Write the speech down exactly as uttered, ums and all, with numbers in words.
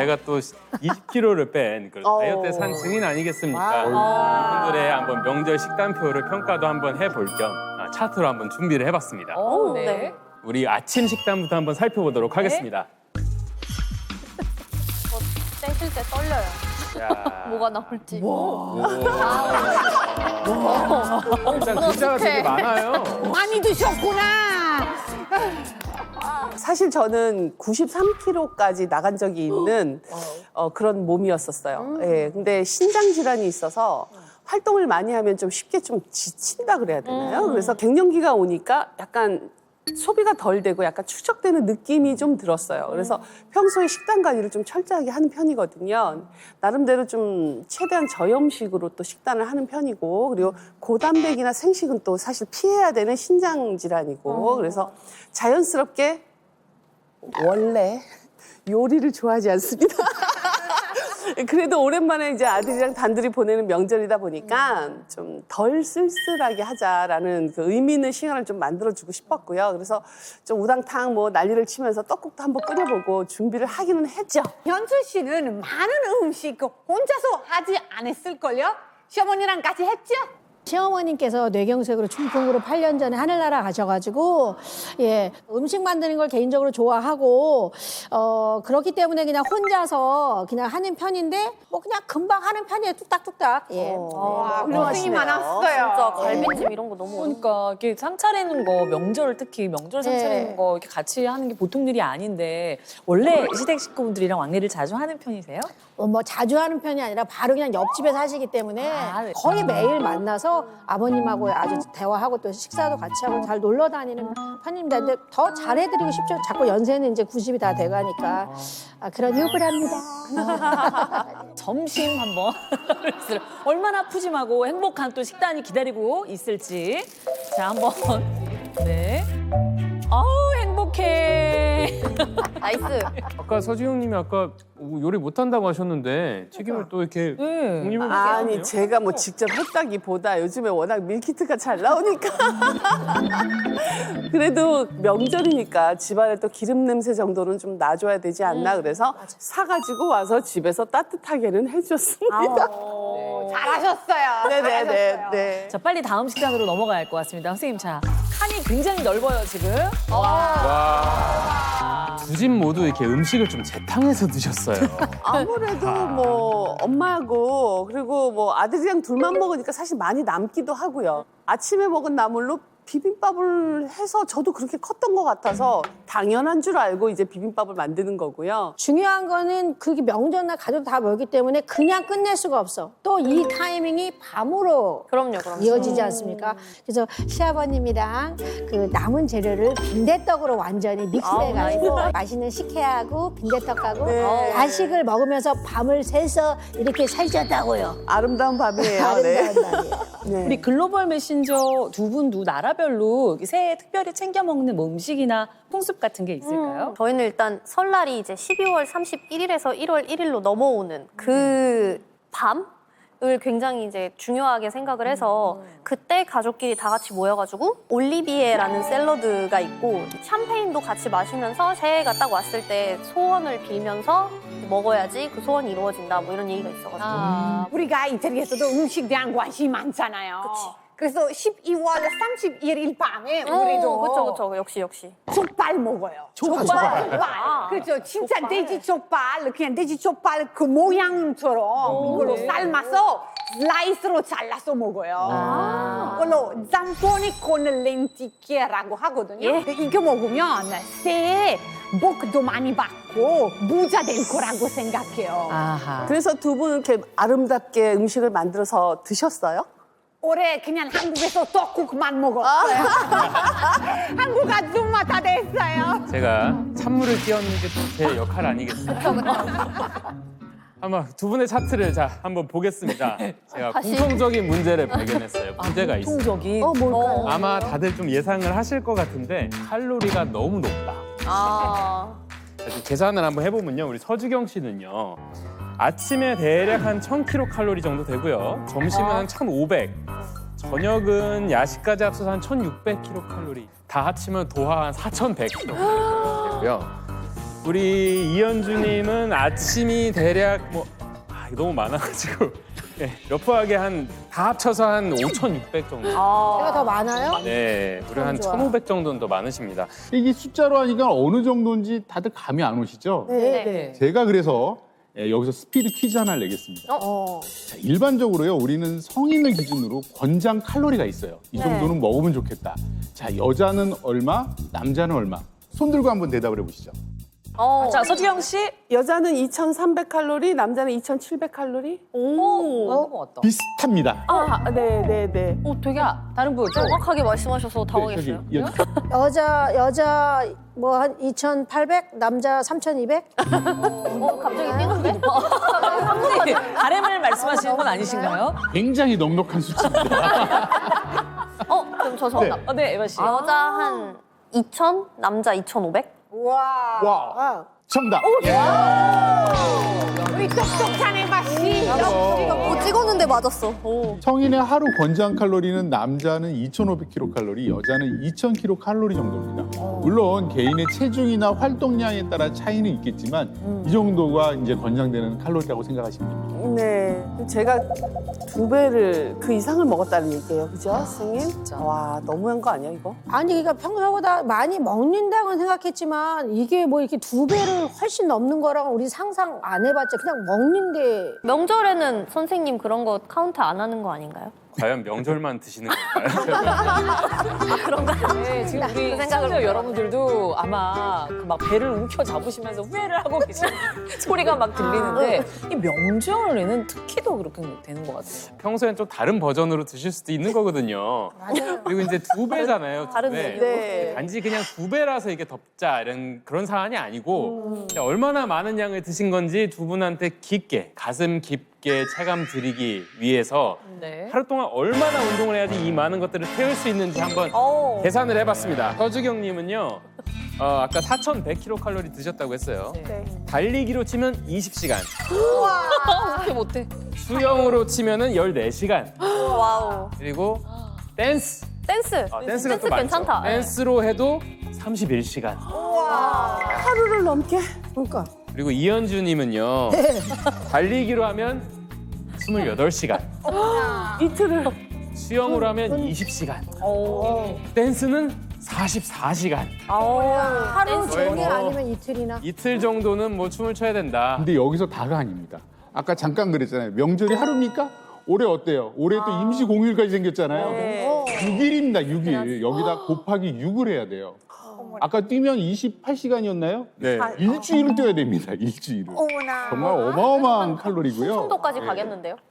제가 또 이십 킬로그램를 뺀 그 어. 다이어트의 산 증인 아니겠습니까? 이분들의 한번 명절 식단표를 평가도 한번 해볼 겸 아, 차트로 한번 준비를 해봤습니다. 오, 네. 우리 아침 식단부터 한번 살펴보도록 하겠습니다. 떼실 때 떨려요. 자, 뭐가 나올지. 오. 일단 글자가 되게 많아요. 많이 드셨구나. 사실 저는 구십삼 킬로그램까지 나간 적이 있는 어, 그런 몸이었었어요. 예, 근데 신장 질환이 있어서 활동을 많이 하면 좀 쉽게 좀 지친다 그래야 되나요? 그래서 갱년기가 오니까 약간 소비가 덜 되고 약간 축적되는 느낌이 좀 들었어요. 그래서 평소에 식단 관리를 좀 철저하게 하는 편이거든요. 나름대로 좀 최대한 저염식으로 또 식단을 하는 편이고, 그리고 고단백이나 생식은 또 사실 피해야 되는 신장 질환이고, 그래서 자연스럽게 원래 요리를 좋아하지 않습니다. 그래도 오랜만에 이제 아들이랑 단둘이 보내는 명절이다 보니까 좀 덜 쓸쓸하게 하자라는 그 의미 있는 시간을 좀 만들어주고 싶었고요. 그래서 좀 우당탕 뭐 난리를 치면서 떡국도 한번 끓여보고 준비를 하기는 했죠. 현수 씨는 많은 음식 혼자서 하지 않았을걸요? 시어머니랑 같이 했죠? 시어머님께서 뇌경색으로 중풍으로 팔 년 전에 하늘나라 가셔가지고 예 음식 만드는 걸 개인적으로 좋아하고 어 그렇기 때문에 그냥 혼자서 그냥 하는 편인데 뭐 그냥 금방 하는 편이에요. 뚝딱뚝딱. 예. 와, 고생이 훌륭하시네요. 많았어요. 진짜 갈비찜 이런 거 너무 그러니까 이렇게 상 차리는 거, 명절 특히 명절 상 네. 차리는 거 이렇게 같이 하는 게 보통 일이 아닌데 원래 시댁 식구분들이랑 왕래를 자주 하는 편이세요? 어, 뭐 자주 하는 편이 아니라 바로 그냥 옆집에 사시기 때문에 아, 네. 거의 매일 만나서 아버님하고 아주 대화하고 또 식사도 같이 하고 잘 놀러 다니는 편입니다. 근데 더 잘해드리고 싶죠. 자꾸 연세는 이제 구십이 다 돼가니까 아, 그런 욕을 합니다. 점심 한번 얼마나 푸짐하고 행복한 또 식단이 기다리고 있을지 자 한번 네 아우 행복해 나이스. 아까 서지웅님이 아까 요리 못한다고 하셨는데 튀김을 또 이렇게 네. 독립을 아니 제가 뭐 직접 했다기보다 요즘에 워낙 밀키트가 잘 나오니까 그래도 명절이니까 집안에 또 기름 냄새 정도는 좀 놔줘야 되지 않나 그래서 사가지고 와서 집에서 따뜻하게는 해줬습니다. 잘하셨어요. 네네네. 잘하셨어요. 네. 자 빨리 다음 식단으로 넘어가야 할 것 같습니다 선생님 자 칸이 굉장히 넓어요 지금 두 집 모두 이렇게 음식을 좀 재탕해서 드셨어요. 아무래도 뭐 엄마하고 그리고 뭐 아들이랑 둘만 먹으니까 사실 많이 남기도 하고요. 아침에 먹은 나물로 비빔밥을 해서 저도 그렇게 컸던 것 같아서 당연한 줄 알고 이제 비빔밥을 만드는 거고요. 중요한 거는 그게 명절날 가족 다 모이기 때문에 그냥 끝낼 수가 없어. 또 이 타이밍이 밤으로 그럼요, 그럼요. 이어지지 않습니까? 그래서 시아버님이랑 그 남은 재료를 빈대떡으로 완전히 믹스해가지고 맛있는 식혜하고 빈대떡하고 네. 야식을 먹으면서 밤을 새서 이렇게 살쪘다고요. 아름다운 밤이에요. 네. 아름다운 날이에요. 네. 우리 글로벌 메신저 두 분도 나라별로 새해 특별히 챙겨 먹는 뭐 음식이나 풍습 같은 게 있을까요? 저희는 일단 설날이 이제 십이월 삼십일일에서 일월 일일로 넘어오는 그 밤을 굉장히 이제 중요하게 생각을 해서 그때 가족끼리 다 같이 모여가지고 올리비에라는 샐러드가 있고 샴페인도 같이 마시면서 새해가 딱 왔을 때 소원을 빌면서 먹어야지 그 소원이 이루어진다 뭐 이런 얘기가 있어가지고 아, 우리가 이태리에서도 음식 대한 관심이 많잖아요. 그치. 그래서 십이월 삼십일일 밤에 어, 우리도 그쵸 그쵸 역시 역시 족발 먹어요. 족발. 족발. 그렇죠. 진짜 돼지 족발, 그냥 돼지 족발 그 모양처럼 이걸로 네. 삶아서 슬라이스로 잘라서 먹어요. 아. 그걸로 zamponi con lenticchie라고 하거든요. 예? 이거 먹으면 새해 복도 많이 받고 부자 될 거라고 생각해요. 아하. 그래서 두 분은 이렇게 아름답게 음식을 만들어서 드셨어요? 올해 그냥 한국에서 떡국만 먹었어요. 한국 아줌마 다 됐어요. 제가 찬물을 끼얹는 게 제 역할 아니겠습니까? 한번 두 분의 차트를 자 한번 보겠습니다. 제가 다시. 공통적인 문제를 발견했어요. 문제가 있어요. 통적인 어, 뭘까요? 아마 다들 좀 예상을 하실 것 같은데 칼로리가 너무 높다. 아 자, 좀 계산을 한번 해보면요. 우리 서주경 씨는요. 아침에 대략 한 천 킬로칼로리 정도 되고요. 점심은 한 천오백, 저녁은 야식까지 합쳐서 한 천육백 킬로칼로리. 다 합치면 도하 한 사천백 킬로칼로리 되고요. 우리 이현주님은 아침이 대략 뭐 아, 이거 너무 많아가지고 예, 러프하게 한 다 합쳐서 한 오천육백 정도. 제가 더 많아요? 네, 우리 한 좋아. 천오백 정도는 더 많으십니다. 이게 숫자로 하니까 어느 정도인지 다들 감이 안 오시죠? 네. 네. 제가 그래서 예, 여기서 스피드 퀴즈 하나를 내겠습니다. 어. 자, 일반적으로요, 우리는 성인을 기준으로 권장 칼로리가 있어요. 이 정도는 먹으면 좋겠다. 자, 여자는 얼마, 남자는 얼마? 손 들고 한번 대답을 해보시죠. 어. 자, 서주경 씨. 여자는 이천삼백 칼로리, 남자는 이천칠백 칼로리. 오. 어? 어떤? 비슷합니다. 아, 네, 네, 네. 어, 되게 다른 분. 정확하게 말씀하셔서 네, 당황했어요. 저기, 연- 여자 여자 뭐 한 이천팔백, 남자 삼천이백? 어, 갑자기 뛰는데? 혹시 바램을 말씀하시는 건 아니신가요? 굉장히 넉넉한 수치입니다. 어, 그럼 저 정답. 어, 네, 에바 씨. 여자 한 이천, 남자 이천오백? 와. 와, 정답. 우리 똑똑한 에바 씨. 어, 찍었는데 맞았어. 오. 성인의 하루 권장 칼로리는 남자는 이천오백 킬로칼로리, 여자는 이천 킬로칼로리 정도입니다. 물론 개인의 체중이나 활동량에 따라 차이는 있겠지만 이 정도가 이제 권장되는 칼로리라고 생각하시면 됩니다. 네. 제가 두 배를 그 이상을 먹었다는 얘기예요. 그죠, 선생님? 진짜. 와, 너무한 거 아니야, 이거? 아니 그러니까 평소보다 많이 먹는다고는 생각했지만 이게 뭐 이렇게 두 배를 훨씬 넘는 거랑 우리 상상 안 해봤죠. 그냥 먹는 게 명절에는 선생님 그런 거 카운트 안 하는 거 아닌가요? 과연 명절만 드시는 건가요? 네, 지금 우리 생각을 시청자 못해봤네. 여러분들도 아마 그 막 배를 움켜 잡으시면서 후회를 하고 계시는 소리가 막 들리는데 이 명절에는 특히 더 그렇게 되는 것 같아요. 평소엔 좀 다른 버전으로 드실 수도 있는 거거든요. 맞아요. 그리고 이제 두 배잖아요. 다른 두 배. 메뉴. 네. 단지 그냥 두 배라서 이게 덮자 이런 그런 사안이 아니고 그냥 얼마나 많은 양을 드신 건지 두 분한테 깊게 가슴 깊게 체감 드리기 위해서 네. 하루 동안 얼마나 운동을 해야지 이 많은 것들을 태울 수 있는지 한번 어. 계산을 해봤습니다. 서주경님은요, 어, 아까 사천백 킬로칼로리 드셨다고 했어요. 네. 달리기로 치면 이십 시간, 어떻게 못해? 수영으로 치면은 열네 시간, 와우. 그리고 댄스, 댄스. 아, 댄스가 댄스 또 많죠. 괜찮다. 네. 댄스로 해도 삼십일 시간. 하루를 넘게? 그러니까 그리고 이현주님은요, 달리기로 하면 스물여덟 시간, 이틀을. 수영으로 하면 이십 시간, 댄스는 사십사 시간. 하루 종일 뭐. 아니면 이틀이나. 이틀 정도는 뭐 춤을 춰야 된다. 근데 여기서 다가 아닙니다. 아까 잠깐 그랬잖아요. 명절이 하루입니까? 올해 어때요? 올해 또 임시 공휴일까지 생겼잖아요. 네. 육 일입니다, 육 일. 여기다 곱하기 육을 해야 돼요. 아까 뛰면 이십팔 시간이었나요? 네. 일주일을 뛰어야 됩니다, 일주일을. 정말 어마어마한 칼로리고요. 도까지 가겠는데요?